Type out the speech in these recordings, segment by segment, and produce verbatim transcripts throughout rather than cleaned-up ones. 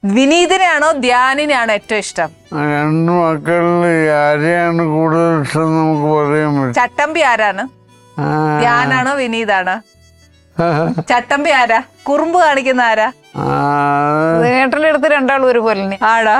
വിനീതിനെയാണോ ധ്യാനിനെയാണോ ഏറ്റവും ഇഷ്ടം? രണ്ട് മക്കളിൽ ആരെയാണ് കൂടുതൽ ഇഷ്ടം നമുക്ക് പറയാൻ പറ്റും. ചട്ടമ്പി ആരാണ്? ധ്യാനാണോ വിനീതാണോ? ചട്ടമ്പി ആരാ? കുറുമ്പ് കാണിക്കുന്ന ആരാ? ഏട്ടൻ്റെ അടുത്ത് രണ്ടാളും ഒരുപോലെ ആടാ.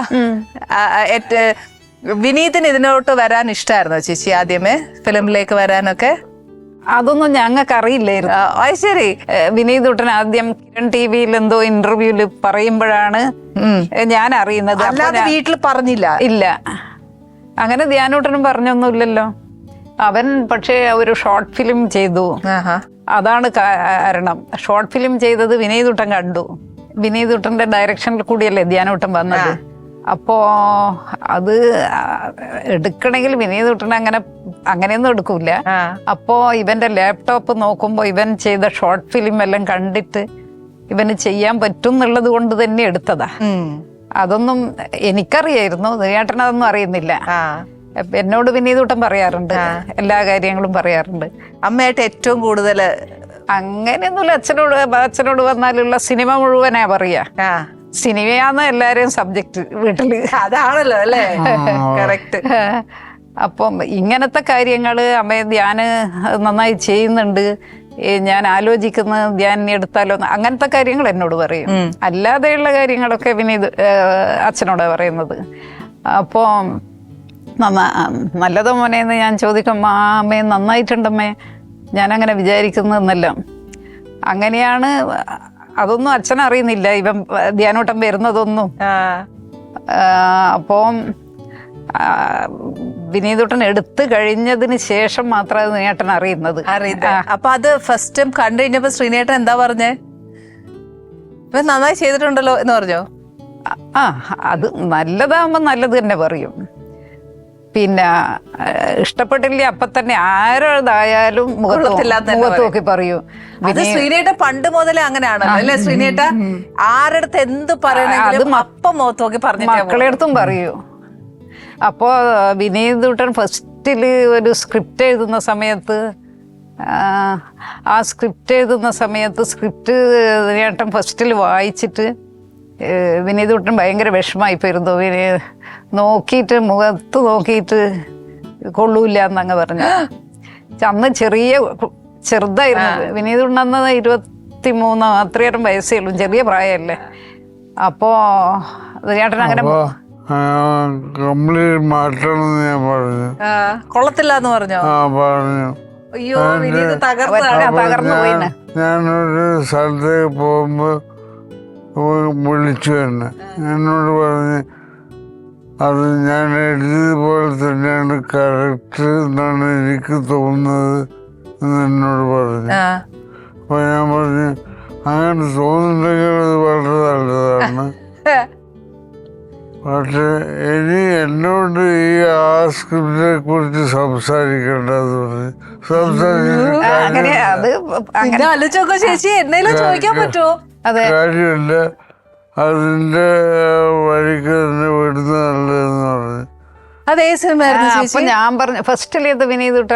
വിനീതിന് ഇതിനോട്ട് വരാൻ ഇഷ്ടമായിരുന്നോ ചേച്ചി ആദ്യമേ ഫിലിമിലേക്ക് വരാനൊക്കെ? അതൊന്നും ഞങ്ങൾക്ക് അറിയില്ലായിരുന്നു. അത് ശരി. വിനീത് ഉട്ടൻ ആദ്യം കിരൺ ടി വിയിൽ എന്തോ ഇന്റർവ്യൂല് പറയുമ്പോഴാണ് ഞാൻ അറിയുന്നത്. അല്ലാതെ വീട്ടിൽ പറഞ്ഞില്ല? ഇല്ല, അങ്ങനെ ധ്യാനൂട്ടനും പറഞ്ഞൊന്നുമില്ലല്ലോ. അവൻ പക്ഷേ ഒരു ഷോർട്ട് ഫിലിം ചെയ്തു, അതാണ് കാരണം. ഷോർട്ട് ഫിലിം ചെയ്തത് വിനീതുട്ടൻ കണ്ടു. വിനീതുട്ടന്റെ ഡയറക്ഷനിൽ കൂടിയല്ലേ ധ്യാനൂട്ടൻ വന്നത്. അപ്പോ അത് എടുക്കണമെങ്കിൽ വിനീതുട്ടൻ അങ്ങനെ അങ്ങനെയൊന്നും എടുക്കൂല. അപ്പോ ഇവന്റെ ലാപ്ടോപ്പ് നോക്കുമ്പോ ഇവൻ ചെയ്ത ഷോർട്ട് ഫിലിം എല്ലാം കണ്ടിട്ട് ഇവന് ചെയ്യാൻ പറ്റും എന്നുള്ളത് കൊണ്ട് തന്നെ എടുത്തതാ. അതൊന്നും എനിക്കറിയായിരുന്നു, ചേട്ടനതൊന്നും അറിയുന്നില്ല. എന്നോട് വിനീതുട്ടൻ പറയാറുണ്ട്, എല്ലാ കാര്യങ്ങളും പറയാറുണ്ട്. അമ്മയായിട്ട് ഏറ്റവും കൂടുതൽ അങ്ങനെയൊന്നുമില്ല. അച്ഛനോട് അച്ഛനോട് വന്നാലുള്ള സിനിമ മുഴുവനാ പറയാ. സിനിമയാന്ന് എല്ലാരെയും സബ്ജക്ട് വീട്ടില്. അതാണല്ലോ അല്ലേ? കറക്റ്റ്. അപ്പം ഇങ്ങനത്തെ കാര്യങ്ങള് അമ്മയെ ധ്യാന് നന്നായി ചെയ്യുന്നുണ്ട്, ഞാൻ ആലോചിക്കുന്ന ധ്യാൻ എടുത്താലോ, അങ്ങനത്തെ കാര്യങ്ങൾ എന്നോട് പറയും. അല്ലാതെയുള്ള കാര്യങ്ങളൊക്കെ വിനീത് അച്ഛനോടാ പറയുന്നത്. അപ്പോൾ നന്നാ നല്ലതോ മോനെന്ന് ഞാൻ ചോദിക്കും, ആ അമ്മേ നന്നായിട്ടുണ്ടമ്മേ, ഞാനങ്ങനെ വിചാരിക്കുന്നതെന്നെല്ലാം. അങ്ങനെയാണ്. അതൊന്നും അച്ഛനറിയുന്നില്ല, ഇവൻ ധ്യാനോട്ടം വരുന്നതൊന്നും. അപ്പം വിനീതുട്ടൻ എടുത്തു കഴിഞ്ഞതിന് ശേഷം മാത്രമേ ശ്രീനേട്ടൻ അറിയുന്നത്. അപ്പൊ അത് ഫസ്റ്റ് ടൈം കണ്ടു കഴിഞ്ഞപ്പോ ശ്രീനേട്ടൻ എന്താ പറഞ്ഞേ? ഇവൻ നന്നായി ചെയ്തിട്ടുണ്ടല്ലോ എന്ന് പറഞ്ഞോ? ആ, അത് നല്ലതാകുമ്പോ നല്ലത് തന്നെ പറയും. പിന്നെ ഇഷ്ടപ്പെട്ടില്ലേ അപ്പൊ തന്നെ ആരതായാലും മുഖത്ത് നോക്കി പറയൂ. അത് ശ്രീനേട്ട പണ്ട് മുതലേ അങ്ങനെയാണല്ലോ അല്ലെ? ശ്രീനേട്ട ആരടുത്ത് എന്ത് പറയണെങ്കിലും അപ്പം മുഖത്ത് നോക്കി പറഞ്ഞു മക്കളെ അടുത്തും പറയൂ. അപ്പോ വിനീതുട്ടൻ ഫസ്റ്റില് ഒരു സ്ക്രിപ്റ്റ് എഴുതുന്ന സമയത്ത് ആ സ്ക്രിപ്റ്റ് എഴുതുന്ന സമയത്ത് സ്ക്രിപ്റ്റ് ചേട്ടൻ ഫസ്റ്റിൽ വായിച്ചിട്ട് വിനീതുട്ടൻ ഭയങ്കര വിഷമായി പോയിരുന്നു. വിനീ നോക്കിയിട്ട് മുഖത്ത് നോക്കിയിട്ട് കൊള്ളൂല്ല എന്നങ്ങ് പറഞ്ഞു. അന്ന് ചെറിയ ചെറുതായിരുന്നു വിനീതുട്ടൻ, അന്ന് ഇരുപത്തി മൂന്നോ അത്രയേറെ വയസ്സേ ഉള്ളൂ, ചെറിയ പ്രായമല്ലേ. അപ്പോ ചേട്ടൻ അങ്ങനെ കൊള്ളത്തില്ല എന്ന് പറഞ്ഞോ? പറഞ്ഞു. അയ്യോ, തകർന്നു പോയിന്. ഞാനൊരു സ്ഥലത്തേക്ക് പോകുമ്പോ വിളിച്ചു തന്നെ എന്നോട് പറഞ്ഞ് അത് ഞാൻ എഴുതിയതുപോലെ തന്നെയാണ് കറക്റ്റ് എന്നാണ് എനിക്ക് തോന്നുന്നത് എന്ന് എന്നോട് പറഞ്ഞു. അപ്പൊ ഞാൻ പറഞ്ഞു, അങ്ങനെ തോന്നുന്നുണ്ടെങ്കിൽ അത് വളരെ നല്ലതാണ്. പക്ഷെ ഇനി എന്നോട് ഈ ആ സ്ക്രിപ്റ്റിനെ കുറിച്ച് സംസാരിക്കേണ്ടത് പറഞ്ഞു. സംസാരിച്ചൊക്കെ ചേച്ചി എന്നേലും ചോദിക്കാൻ പറ്റുമോ? കാര്യമില്ല, അതിന്റെ വഴിക്ക് തന്നെ വിടുന്ന നല്ലതെന്ന് പറഞ്ഞു. അതേ സിനിമ ഞാൻ പറഞ്ഞു ഫസ്റ്റിലേത് വിനീതുട്ടൻ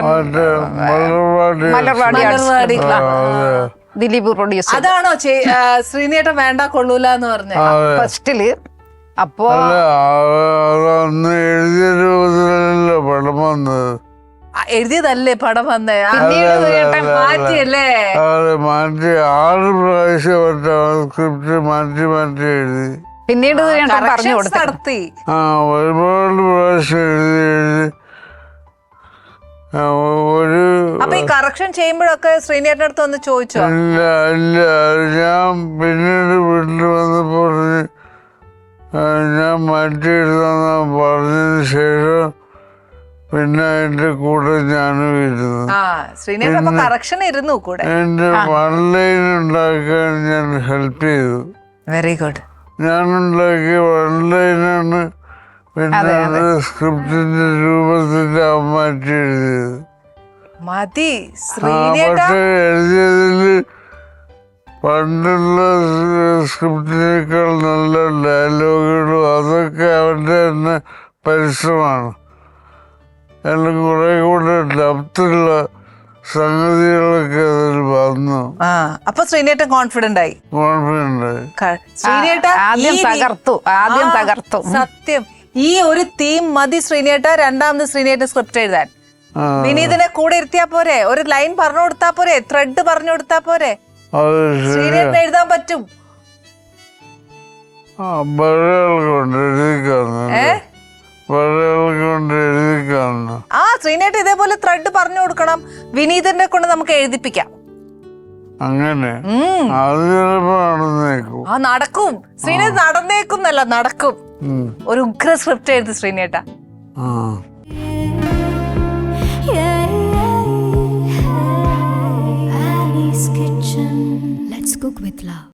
മലർവാടി ദിലീപ് പ്രൊഡ്യൂസർ. അതാണോ ശ്രീനേട്ടൻ വേണ്ട കൊള്ളൂല എന്ന് പറഞ്ഞ ഫസ്റ്റില്? അപ്പോ അന്ന് എഴുതിയ രൂപത്തിലല്ലോ പടം വന്നത്. എഴുതിയതല്ലേ പടം വന്നേ? മാറ്റിയല്ലേ? മാറ്റി ആറ് പ്രാവശ്യം സ്ക്രിപ്റ്റ് മാറ്റി മാറ്റി എഴുതി. പിന്നീട് നടത്തി ആ ഒരുപാട് പ്രാവശ്യം എഴുതി എഴുതി ഒരു. അപ്പൊ ഈ കറക്ഷൻ ചെയ്യുമ്പോഴൊക്കെ ശ്രീനേട്ടൻ്റെ അടുത്ത് ഒന്ന് ചോദിച്ചോ? ഇല്ല ഇല്ല, ഞാൻ പിന്നീട് വീട്ടിൽ വന്നപ്പോ ഞാൻ മാറ്റി എഴുതാന്ന് പറഞ്ഞതിന് ശേഷം പിന്നെ അതിന്റെ കൂടെ ഞാനും ഇരുന്നു. കറക്ഷൻ ഇരുന്നു കൂടെ. എന്റെ വൺ ലൈൻ ഉണ്ടാക്കാൻ ഞാൻ ഹെൽപ്പ് ചെയ്തു. Very good. ഞാനുണ്ടാക്കിയ വൺ ലൈനാണ് പിന്നെ അത് സ്ക്രിപ്റ്റിന്റെ രൂപത്തിൽ മാറ്റി എഴുതിയത്. മതി. പക്ഷെ എഴുതിയതില് പണ്ടുള്ള സ്ക്രിപ്റ്റിനേക്കാൾ നല്ല ഡയലോഗുകളും അതൊക്കെ അവന്റെ തന്നെ പരിശ്രമമാണ്. എല്ലാം കുറെ കൂടെ ഡെപ്തുള്ള സംഗതികളൊക്കെ അതിൽ വന്നു. ആ അപ്പൊ ശ്രീനേട്ടൻ കോൺഫിഡന്റ് ആയി. കോൺഫിഡൻ്റ് ആയി. ക- ശ്രീനേട്ട ആദ്യം ഈ രീ- തകർത്തു ആദ്യം ആ, തകർത്തു സത്യം. ഈ ഒരു തീം മതി ശ്രീനേട്ട രണ്ടാമത് ശ്രീനേട്ട സ്ക്രിപ്റ്റ് എഴുതാൻ. ആ, വിനീതിനെ കൂടെ ഇരുത്തിയാ പോരെ, ഒരു ലൈൻ പറഞ്ഞു കൊടുത്താ പോരെ, ത്രെഡ് പറഞ്ഞു കൊടുത്താ പോരെ, അത് ശരിയാ. ശ്രീനേട്ടൻ എഴുതാൻ പറ്റും. ആ ബഴകൾ കൊണ്ട് എഴുതി കാണുന്നു. ബഴകൾ കൊണ്ട് എഴുതി കാണുന്നു. ആ ശ്രീനേട്ട ഇതേപോലെ ത്രെഡ് പറഞ്ഞു കൊടുക്കണം, വിനീതിനെ കൊണ്ട് നമുക്ക് എഴുതിപ്പിക്കാം. അങ്ങനെ ഉം. അത് ചിലപ്പോ നടന്നേക്കും. ആ നടക്കും ശ്രീനേട്ട, നടന്നേക്കുന്നല്ല നടക്കും. ഉം. ഒരു ഉഗ്ര സ്ക്രിപ്റ്റ് എഴുതി ശ്രീനേട്ട. ആ Ali's Kitchen. Let's cook with love.